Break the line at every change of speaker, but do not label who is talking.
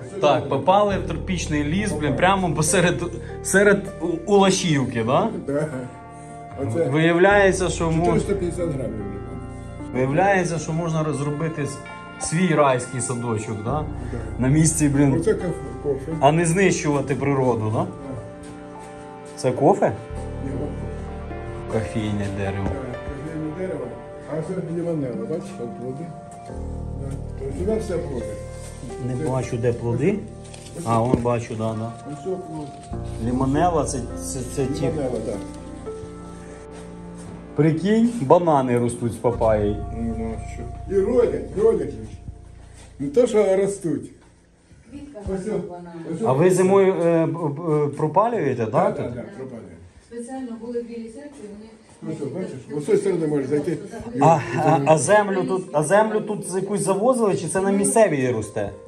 Так, попали в тропічний ліс, блін, прямо серед Улашівки, да?
Да. Оце
Виявляється, що
450 грамів.
Виявляється, що можна розробити свій райський садочок, да? На місці, блін,
Оце кофе.
а не знищувати природу, да? Це кофе?
Ні, от
Кофейне дерево.
кофейне дерево, а це лимонело, бачиш, там плоди. Да. То сюди все плоди.
Не бачу, де плоди. А, вон бачу, да.
Ось все плоди.
Лімонела це ті.
Лимонело, так.
Прикинь, банани ростуть з папаєю.
Ну, що? І родять. Не то, що ростуть.
Квітка
Ось о,
газована.
ось о.
А ви зимою пропалюєте, так?
Так,
тут?
так, пропадає.
Спеціально були білі серці, вони...
Ось, о, бачиш, ось з цієї сторони можеш зайти.
А землю тут якусь завозили, чи це на місцевій росте?